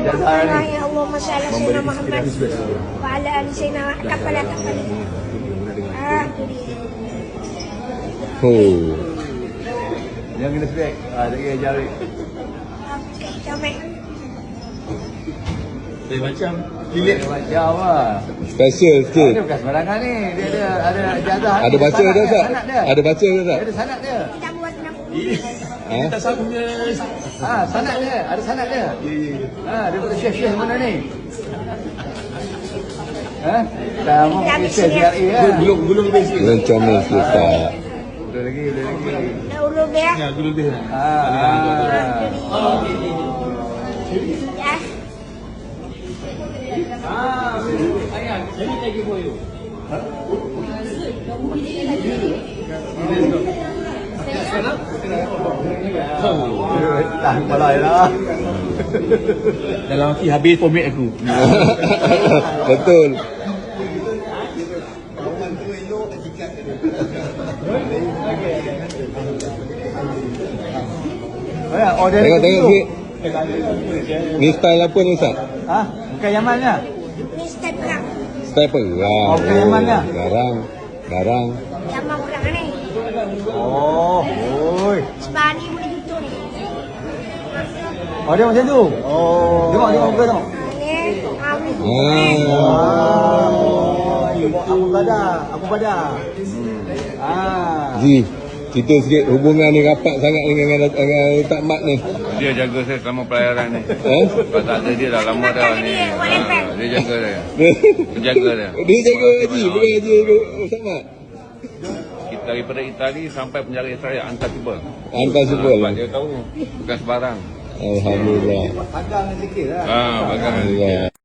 Allahumma salli ala sayyidina Muhammad wa ala ali sayyidina Muhammad. Oh. Yang kena spek. Tak kira jari. Okey, comel. Macam lilit macam lah. Special sikit. Dia bukan sembarangan ni. Dia ada ijazah. Ada baca dia tak? Ada baca dia tak? Ada sanad dia. Kita buat 60. Ha? Tak sambungnya. Sanad dia. Ada sanad dia. Dia buat syekh-syekh mana ni? Dah mau syekh GRA lah. Belum basic. Belum comel sikit tak? Boleh lagi. Dah ulu dia. Ya, dulu dia. Ya. Ayah, jadi lagi for you. Tak balai lah. Dalam hati habis format aku. Betul. Tengok sikit. Ni style apa ni Ustaz? Bukan Yamannya. Ni step perang. Style perang. Bukan Yamannya. Garang. Zaman perang ni. Oi. Sebani boleh gitu ni. Dia macam tu. Tengok muka tengok. Ni. Aku pada. Ji, cerita sikit hubungan ni rapat sangat dengan Ustaz Mat ni. Dia jaga saya selama pelayaran ni. Kalau tak ada dia dah lama dah ni. Dia jaga saya. Penjaga dia. Dia jaga Haji, bukan Haji Ustaz Mat. Kita daripada Itali sampai penjara Israel angkat cuba. Angkat sebel. Sebab dia tahu bukan sebarang. Alhamdulillah. Pagang sikit lah. Pagang. Alhamdulillah.